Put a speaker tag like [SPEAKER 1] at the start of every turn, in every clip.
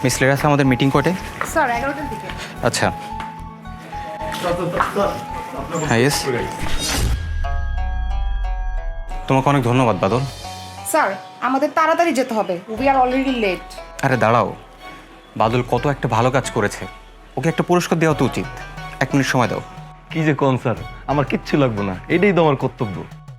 [SPEAKER 1] Miss লেরাস আমাদের meeting কোর্টে।
[SPEAKER 2] Sir 11টার দিকে।
[SPEAKER 1] আচ্ছা হ্যাঁ ইয়েস, তোমাকে অনেক ধন্যবাদ বাদল।
[SPEAKER 2] স্যার আমাদের তাড়াতাড়ি যেতে হবে, উই আর অলরেডি লেট।
[SPEAKER 1] আরে দাঁড়াও, বাদল কত একটা ভালো কাজ করেছে, ওকে একটা পুরস্কার দেওয়া তো উচিত। 1 মিনিট সময় দাও।
[SPEAKER 3] কি যে কোন স্যার, আমার কিচ্ছু লাগবে না, এটাই তো আমার কর্তব্য।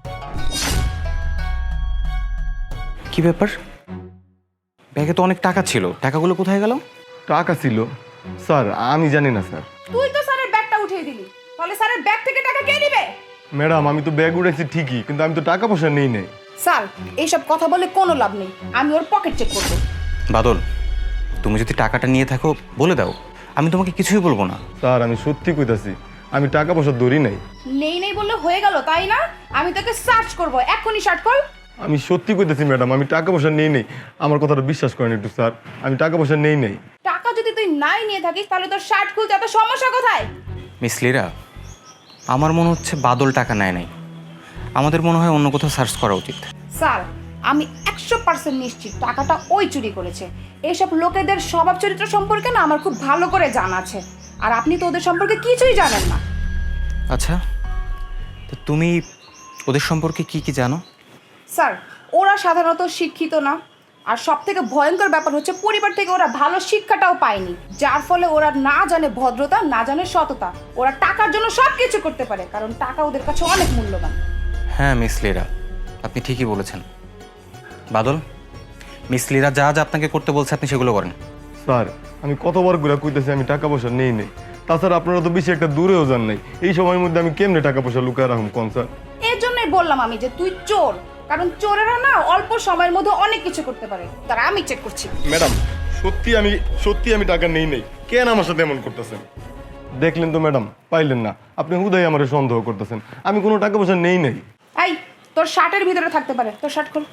[SPEAKER 1] কি ব্যাপার, ব্যাগে তো অনেক টাকা ছিল, টাকাগুলো কোথায় গেল?
[SPEAKER 3] টাকা ছিল স্যার, আমি জানি না স্যার।
[SPEAKER 2] তুই তো স্যারের ব্যাগটা উঠিয়ে দিলি, তাহলে স্যারের ব্যাগ থেকে টাকা কে নেবে?
[SPEAKER 3] ম্যাডাম আমি তো ব্যাগ উঠেছি ঠিকই, কিন্তু আমি তো টাকা পয়সা নেই নাই।
[SPEAKER 2] স্যার এইসব কথা বলে কোনো লাভ নেই, আমি ওর পকেট চেক করব।
[SPEAKER 1] বাদল, তুমি যদি টাকাটা নিয়ে থাকো বলে দাও, আমি তোমাকে কিছুই বলবো না।
[SPEAKER 3] স্যার আমি সত্যি কইতাছি, আমি টাকা পয়সা ধরি নাই।
[SPEAKER 2] নেই নেই বললে হয়ে গেল তাই না? আমি তোকে সার্চ করব, এখনই সার্চ কর।
[SPEAKER 3] আমি সত্যি কইতাছি ম্যাডাম, আমি টাকা পয়সা নেই নাই। আমার কথাটা বিশ্বাস করেন একটু স্যার, আমি টাকা পয়সা নেই নাই।
[SPEAKER 2] টাকা যদি তুই নাই নিয়ে থাকিস তাহলে তোর শার্ট খুলতে এত সমস্যা কোথায়?
[SPEAKER 1] মিস লিরা, আমার মনে হচ্ছে বাদল টাকা নেয় নাই, আমাদের মনে হয় অন্য কোথাও সার্চ করা উচিত।
[SPEAKER 2] স্যার আমি 100% নিশ্চিত টাকাটা ওই চুরি করেছে। এইসব লোকেদের স্বভাব চরিত্র সম্পর্কে না আমার খুব ভালো করে জানা আছে, আর আপনি তো ওদের সম্পর্কে কিছুই জানেন না।
[SPEAKER 1] আচ্ছা, তো তুমি ওদের সম্পর্কে কি কি জানো?
[SPEAKER 2] স্যার ওরা সাধারণত শিক্ষিত না, আর সব থেকে ভয়ঙ্কর ব্যাপার হচ্ছে পরিবার থেকে ওরা ভালো শিক্ষাটাও পায়নি, যার ফলে ওরা না জানে ভদ্রতা, না জানে সততা। ওরা টাকার জন্য সব কিছু করতে পারে, কারণ টাকা ওদের কাছে অনেক মূল্যবান।
[SPEAKER 1] হ্যাঁ মিস লিরা, আপনি ঠিকই বলেছেন। বাদল, মিস লিরা যা যা আপনাকে করতে বলছে আপনি সেগুলো করেন।
[SPEAKER 3] স্যার আমি কতবার ঘুরে কইতেছি আমি টাকা পয়সা নেই নাই, তাছাড়া আপনারা তো বেশি একটা দূরেও যান নাই। এই সময়ের মধ্যে আমি কেমনে টাকা পয়সা লুকায় রাখুন কোন স্যার?
[SPEAKER 2] এর জন্যই বললাম আমি যে তুই চোর, কারণ চোরেরা না অল্প সময়ের মধ্যে অনেক কিছু করতে পারে। তারা আমি চেক করছি।
[SPEAKER 3] ম্যাডাম সত্যি আমি টাকা নেই নাই, কেন আমার সাথে এমন করতেছেন? দেখলেন তো ম্যাডাম, পাইলেন না, আপনি হুদাই আমারে সন্দেহ করতেছেন, আমি কোনো টাকা পয়সা নেই নাই।
[SPEAKER 2] এই তোর শার্টের ভিতরে থাকতে পারে, তোর শার্ট খোল।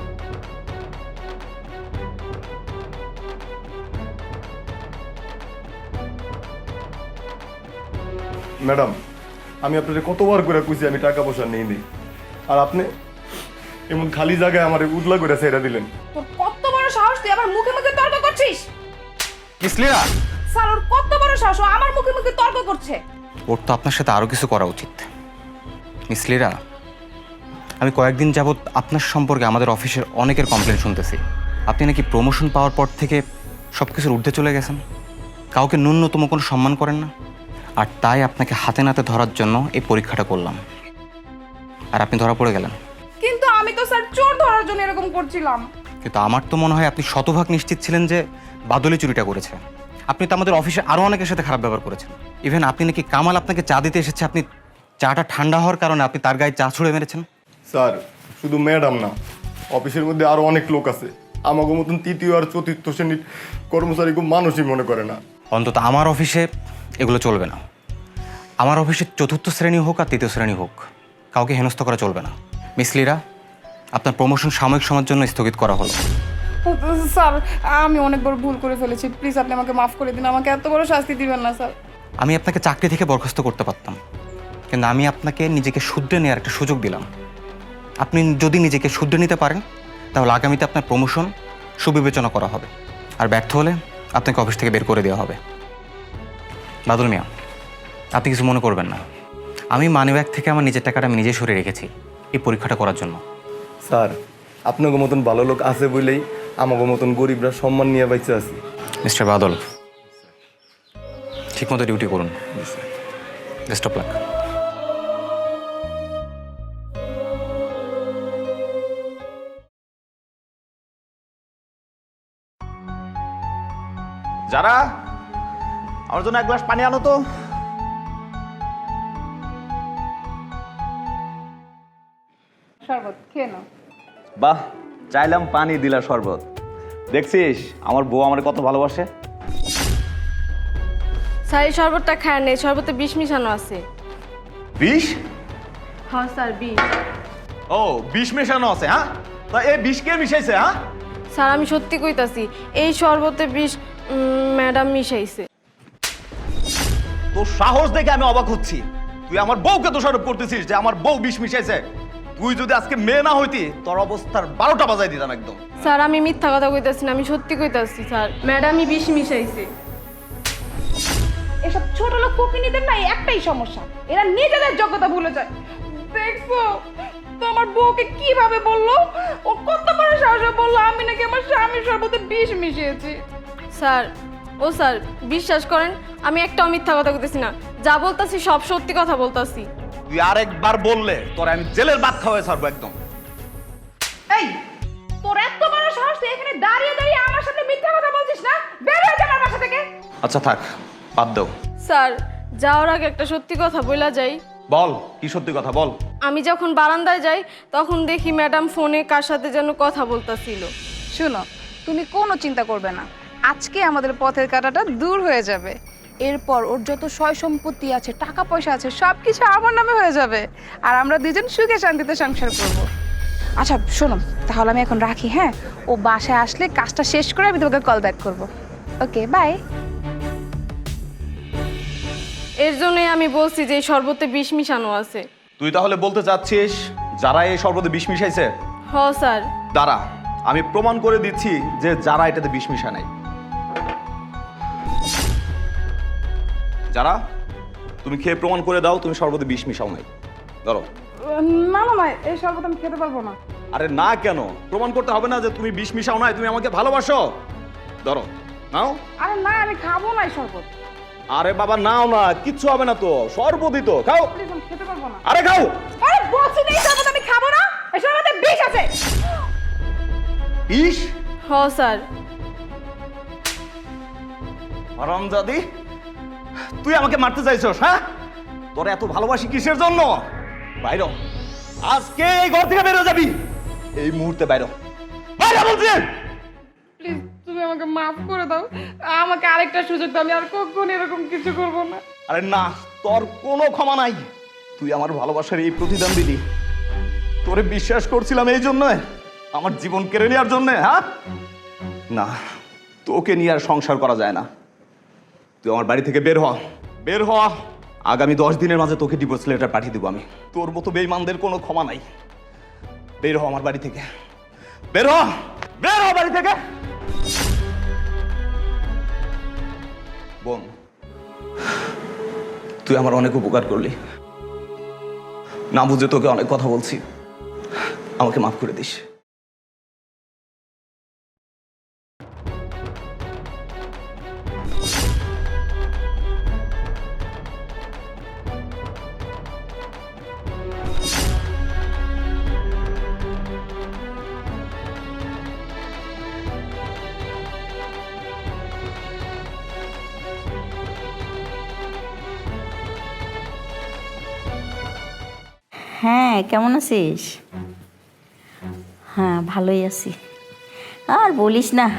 [SPEAKER 3] ম্যাডাম আমি আপনাকে কতবার করে কইছি আমি টাকা পয়সা নেই নাই, আর আপনি এমন খালি জায়গায় আমার উদলা করে ছেড়ে দিলেন।
[SPEAKER 2] তোর কত বড় সাহস, তুই আমার মুখে মুখে তর্ক করছিস?
[SPEAKER 1] মিস লিরা,
[SPEAKER 2] স্যার ওর কত বড় সাহস, ও আমার মুখে মুখে তর্ক করছে।
[SPEAKER 1] ওর তো আপনার সাথে আরও কিছু করা উচিত। মিস লিরা, আমি কয়েকদিন যাবৎ আপনার সম্পর্কে আমাদের অফিসের অনেকের কমপ্লেন শুনতেছি। আপনি নাকি প্রমোশন পাওয়ার পর থেকে সব কিছুর ঊর্ধ্বে চলে গেছেন, কাউকে ন্যূনতম কোনো সম্মান করেন না। আর তাই আপনাকে হাতে নাতে ধরার জন্য এই পরীক্ষাটা করলাম, আর আপনি ধরা পড়ে গেলেন।
[SPEAKER 2] কিন্তু আমি তো স্যার চোর ধরার জন্য এরকম করছিলাম।
[SPEAKER 1] কিন্তু আমার তো মনে হয় আপনি শতভাগ নিশ্চিত ছিলেন যে বাদলি চুরিটা করেছে। আপনি তো আমাদের অফিসে আরও অনেকের সাথে খারাপ ব্যবহার করেছেন। ইভেন আপনি নাকি কামাল আপনাকে চা দিতে এসেছে, আপনি চাটা ঠান্ডা হওয়ার কারণে আপনি তার গায়ে চা ছুঁড়ে মেরেছেন।
[SPEAKER 3] স্যার শুধু ম্যাডাম না, অফিসের মধ্যে আরো অনেক লোক আছে আমাকে মতন তৃতীয় আর চতুর্থ শ্রেণীর কর্মচারী খুব মানুষই মনে করে না।
[SPEAKER 1] অন্তত আমার অফিসে এগুলো চলবে না। আমার অফিসে চতুর্থ শ্রেণী হোক আর তৃতীয় শ্রেণী হোক, কাউকে হেনস্থা করা চলবে না। মিস লিরা, আপনার প্রমোশন সাময়িক সময়ের জন্য স্থগিত করা হলো।
[SPEAKER 2] স্যার আমি অনেক বড় ভুল করে ফেলেছি, প্লিজ আপনি আমাকে মাফ করে দিন, আমাকে এত বড় শাস্তি দিবেন না স্যার।
[SPEAKER 1] আমি আপনাকে চাকরি থেকে বরখাস্ত করতে পারতাম, কিন্তু আমি আপনাকে নিজেকে শুধরে নেওয়ার একটা সুযোগ দিলাম। আপনি যদি নিজেকে শুধরে নিতে পারেন তাহলে আগামীতে আপনার প্রমোশন সুবিবেচনা করা হবে, আর ব্যর্থ হলে আপনাকে অফিস থেকে বের করে দেওয়া হবে। বাদল মিয়া, আপনি কিছু মনে করবেন না, আমি মানিব্যাগ থেকে আমার নিজের টাকাটা আমি নিজে সরে রেখেছি এই পরীক্ষাটা করার জন্য।
[SPEAKER 3] স্যার আপনাকে মতন ভালো লোক আছে বলেই আমাকে মতন গরিবরা সম্মান নিয়ে বাইচে আছি।
[SPEAKER 1] মিস্টার বাদল, ঠিকমতো ডিউটি করুন। Best of luck.
[SPEAKER 4] যারা আমার জন্য 1 গ্লাস পানি আনো তো।
[SPEAKER 2] শরবত খেয়ে নাও।
[SPEAKER 4] বাহ, চাইলাম পানি দিলা শরবত। দেখছিস আমার বউ আমার কত ভালোবাসে।
[SPEAKER 5] স্যার এই শরবতটা খায় নেই, শরবতে বিষ মিশানো আছে।
[SPEAKER 4] বিষ?
[SPEAKER 5] হ্যাঁ স্যার বিষ।
[SPEAKER 4] ও বিষ মেশানো আছে? হ্যাঁ, তা এই বিষ কে মিশাইছে? হ্যাঁ
[SPEAKER 5] স্যার আমি সত্যি কইতাছি, এই শরবতে বিষ ম্যাডাম মিশাইছে।
[SPEAKER 4] তোর সাহস দেখে আমি অবাক হচ্ছি। তুই আমার বউকে দোষারোপ করতেছিস যে আমার বউ বিষ মিশাইছে। তুই যদি আজকে মেয়ে না হইতি তোর অবস্থার 12টা বাজাই দিতাম একদম।
[SPEAKER 5] স্যার আমি মিথ্যা কথা কইতাছি না, আমি সত্যি কইতাছি স্যার। ম্যাডামই বিষ মিশাইছে।
[SPEAKER 2] এসব ছোট লোক ফকিনীদের না একটাই সমস্যা, এরা নিজেদের যোগ্যতা ভুলে যায়। দেখছো তোমার বউকে কিভাবে বললো, ও কত বড় সাহসে বললো আমি নাকি আমার স্বামীর শরবতে বিষ মিশিয়েছি।
[SPEAKER 5] স্যার স্যার বিশ্বাস করেন আমি একটাও মিথ্যা কথা কইতেছি না, যা বলতাছি সব সত্যি কথা বলতাছি।
[SPEAKER 4] তুই আরেকবার বললে তোর আমি জেলের ভাত খাওয়াই ছাড়বো একদম।
[SPEAKER 2] এই তোর এত বড় সাহস, তুই এখানে দাঁড়িয়ে দাঁড়িয়ে আমার সামনে মিথ্যা কথা বলছিস না? বের হয়ে যা আমার বাসা থেকে।
[SPEAKER 4] আচ্ছা থাক, বাদ দাও।
[SPEAKER 5] স্যার যাওয়ার আগে একটা সত্যি কথা বইলা যাই।
[SPEAKER 4] বল, কি সত্যি কথা বল।
[SPEAKER 5] আমি যখন বারান্দায় যাই তখন দেখি ম্যাডাম ফোনে কার সাথে যেন কথা বলতাছিল।
[SPEAKER 2] শুনো, তুমি কোনো চিন্তা করবে না, আজকে আমাদের পথের কাঁটাটা দূর হয়ে যাবে। এরপর ওর যত সয় সম্পত্তি আছে, টাকা পয়সা আছে, সব কিছু আমার নামে হয়ে যাবে, আর আমরা দুজন সুখে শান্তিতে সংসার করব। আচ্ছা শোনো, তাহলে আমি এখন রাখি। হ্যাঁ, ও বাসায় আসলে কাজটা শেষ করে আমি তোমাকে কল ব্যাক করবো। Okay bye.
[SPEAKER 5] এর জন্যই আমি বলছি যে এই শরবতে বিষ মিশানো আছে।
[SPEAKER 4] তুই তাহলে বলতে চাচ্ছিস যারা এই শরবতে বিষ মিশাইছে?
[SPEAKER 5] হ স্যার।
[SPEAKER 4] দাঁড়া, আমি প্রমাণ করে দিচ্ছি যে যারা এটাতে বিষ মিশা নাই। যারা, তুমি খেয়ে প্রমাণ করে দাও তুমি শরবতে বিষ মিশাও নাই। ধরো।
[SPEAKER 2] না না না, এই শরবত আমি খেতে পারবো না।
[SPEAKER 4] আরে না কেন? প্রমাণ করতে হবে না যে তুমি বিষ মিশাও নাই, তুমি আমাকে ভালোবাসো। ধরো, নাও।
[SPEAKER 2] আরে না, আমি খাবো না এই শরবত।
[SPEAKER 4] আরে বাবা নাও না, কিচ্ছু হবে না তো, শরবতই তো, খাও।
[SPEAKER 2] প্লিজ, আমি খেতে পারবো না।
[SPEAKER 4] আরে খাও।
[SPEAKER 2] আরে বলছি না এই শরবত আমি খাবো না, এই শরবতে বিষ আছে।
[SPEAKER 4] বিষ?
[SPEAKER 5] হ স্যার।
[SPEAKER 4] হারামজাদি, তুই আমাকে মারতে চাইছস? হ্যাঁ, তোর এত ভালোবাসি কিসের জন্য? বাইরে হ। আজকে এই ঘর থেকে বেরো যাবি, এই মুহূর্তে বাইরে হ। বাইরে বলছি।
[SPEAKER 2] প্লিজ তুমি আমাকে মাফ করে দাও, আমাকে আরেকটা সুযোগ দাও, আমি আর কখনো এরকম কিছু করবো না।
[SPEAKER 4] আরে না, তোর কোনো ক্ষমা নাই। তুই আমার ভালোবাসার এই প্রতিদান দিলি। তোরে বিশ্বাস করছিলাম এই জন্য, আমার জীবন কেড়ে নেওয়ার জন্য। হ্যাঁ না, তোকে নিয়ে আর সংসার করা যায় না। তুই আমার বাড়ি থেকে বের হ, বের হ। আগামী 10 দিনের মাঝে তোকে ডিভোর্স লেটার পাঠিয়ে দেবো আমি। তোর মতো বেঈমানদের কোনো ক্ষমা নাই। বের হ আমার বাড়ি থেকে, বের হ, বের হ বাড়ি থেকে। বোন, তুই আমার অনেক উপকার করলি, না বুঝে তোকে অনেক কথা বলছি, আমাকে মাফ করে দিস।
[SPEAKER 6] হ্যাঁ, কেমন আছিস? হ্যাঁ, ভালোই আছি। আর বলিস না।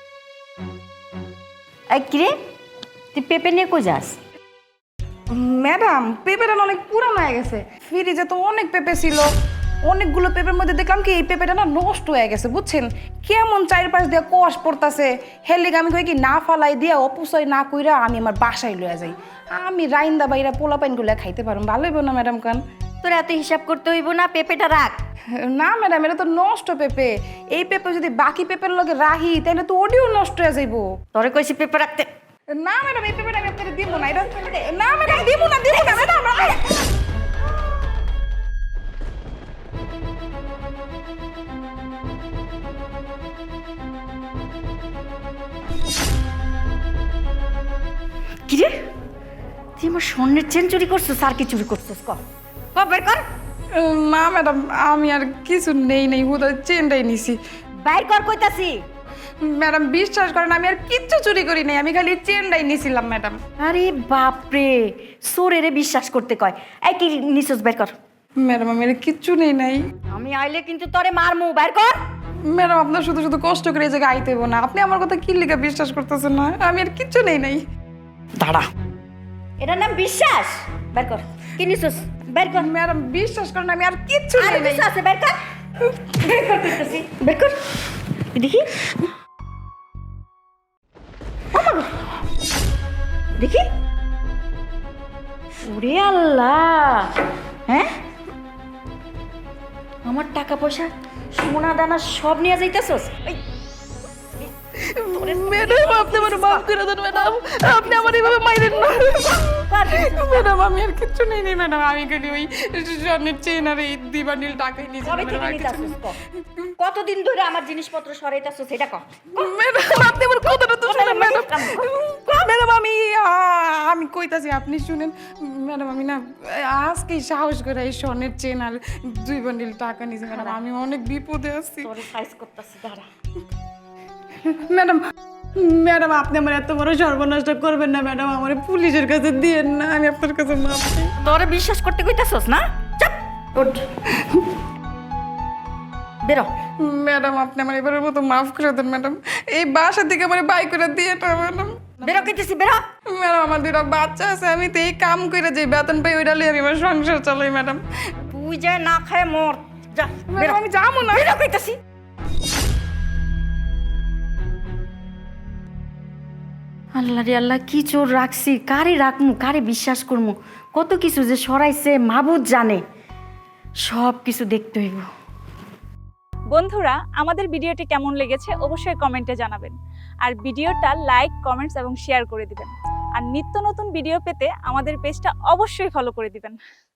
[SPEAKER 6] কিরে, তুই পেঁপে নিয়ে কই যাস?
[SPEAKER 2] ম্যাডাম, পেঁপেটা না অনেক পুরানো হয়ে গেছে, ফ্রিজে তো অনেক পেঁপে ছিল, অনেকগুলো পেঁপের মধ্যে দেখলাম কি এই পেঁপেটা না নষ্ট হয়ে গেছে, বুঝছেন? কেমন চারপাশ দিয়ে কোয়াশ পড়তাছে। হেলিক আমি কই কি না ফালাই দিয়া অপচয় না কইরা আমি আমার বাসায় লইয়া যাই, আমি রাইন্দা বাইরা পোলা পাইনগুলো খাইতে পারুম। ভালো হইব না ম্যাডাম? কান
[SPEAKER 6] তোর এত হিসাব করতে হইব না, পেঁপেটা রাখ।
[SPEAKER 2] না ম্যাডাম, এটা তো নষ্ট পেঁপে। এই পেঁপে যদি বাকি পেঁপের লগে রাহি তাহলে তো ওডিও নষ্ট হয়ে যাইব।
[SPEAKER 6] তোরে কইছি পেঁপে রাখতে।
[SPEAKER 2] না ম্যাডাম, এই পেঁপেটা আমি আপনাকে দিব না। এটা না ম্যাডাম, দিব না, দিব না ম্যাডাম।
[SPEAKER 6] কিরে, তুই আমার স্বর্ণের চেন চুরি করছিস আর কি চুরি করছিস? ক বের কর।
[SPEAKER 2] না ম্যাডাম, আমি আর কিছু নেই হুদা চেনটাই নিছি।
[SPEAKER 6] বাইর কর কইতাছি।
[SPEAKER 2] ম্যাডাম বিশ্বাস করেন, আমি আর কিচ্ছু চুরি করি নাই, আমি খালি চেনটাই নিছিলাম ম্যাডাম।
[SPEAKER 6] আরে বাপরে, সোরেরে বিশ্বাস করতে কয়। এই কি নিছস, বের কর।
[SPEAKER 2] ম্যাডাম আমি আর কিচ্ছু নেই নাই।
[SPEAKER 6] আমি আইলে কিন্তু তোরে মারমু, বের কর।
[SPEAKER 2] ম্যাডাম আপনার শুধু শুধু কষ্ট করে এই জায়গায় আইতে হইব না, আপনি আমার কথা কি লিখে বিশ্বাস করতেছেন না? আমি আর কিচ্ছু নাই।
[SPEAKER 6] দাঁড়া, এটার নাম বিশ্বাস? বের কর, কি নিছস, বের কর।
[SPEAKER 2] ম্যাডাম বিশ্বাস করেন, আমি আর কিচ্ছু
[SPEAKER 6] আরে
[SPEAKER 2] নাই।
[SPEAKER 6] কিছু আছে, বের কর। বের কর কইতাছি, বের কর। দেখি, দেখি। ওরে আল্লাহ, হ্যাঁ আমার টাকা পয়সা সোনা দানা সব নিয়ে যাইতেছস?
[SPEAKER 5] ম্যাডাম আপনি আমার মাফ করে দেন ম্যাডাম, আপনি আমার এইভাবে মাইরেন না ম্যাডাম। আমি আর কিচ্ছু নেই ম্যাডাম, আমি খালি ওই স্বর্ণের চেন আর এই দিবানিল টাকাই নিয়েছি
[SPEAKER 6] কবে থেকে নিতাছস ক? কতদিন ধরে আমার জিনিসপত্র সরাইতাছস সেটা ক?
[SPEAKER 5] ম্যাডাম। আপনি আমার কথাটা তো শুনেন ম্যাডাম। ম্যাডাম আমি কইতাছি আপনি শুনেন ম্যাডাম। আমি না আজকেই সাহস করে এই স্বর্ণের চেন আর 2 বান্ডিল টাকা নিয়েছি ম্যাডাম। আমি অনেক বিপদে আছি
[SPEAKER 6] তোরে সাইজ করতেছি দাঁড়া।
[SPEAKER 5] ম্যাডাম। ম্যাডাম আপনি আমার এত বড় সর্বনাশটা করবেন না ম্যাডাম, আমার পুলিশের কাছে দিয়েন না, আমি আপনার কাছে মাফ চাই।
[SPEAKER 6] তোরে বিশ্বাস করতে কইতাছস না? চাপ ওঠ বেরো।
[SPEAKER 5] ম্যাডাম আপনি আমার এবারের মতো মাফ করে দেন ম্যাডাম, এই বাসা থেকে আমার বাই করে দিয়ে না ম্যাডাম।
[SPEAKER 6] বেরো কইতেছি বেরো।
[SPEAKER 5] ম্যাডাম আমার 2টা বাচ্চা আছে, আমি তো এই কাম করে যে বেতন পাই ওইটা লিয়ে আমি আমার সংসার চালাই ম্যাডাম।
[SPEAKER 6] তুই যা না খায় মর যা বেরো।
[SPEAKER 5] ম্যাডাম আমি যাবো না।
[SPEAKER 6] বেরো কইতাছি। আল্লাহ রে আল্লাহ, কি চোর রাখছি, কারে রাখমু, কারে বিশ্বাস করমু, কত কিছু যে সরাইছে মাবুদ জানে। সব কিছু দেখতে হইব।
[SPEAKER 7] বন্ধুরা, আমাদের ভিডিওটি কেমন লেগেছে অবশ্যই কমেন্টে জানাবেন। আর ভিডিওটা লাইক, কমেন্টস এবং শেয়ার করে দিবেন। আর নিত্য নতুন ভিডিও পেতে আমাদের পেজটা অবশ্যই ফলো করে দিবেন।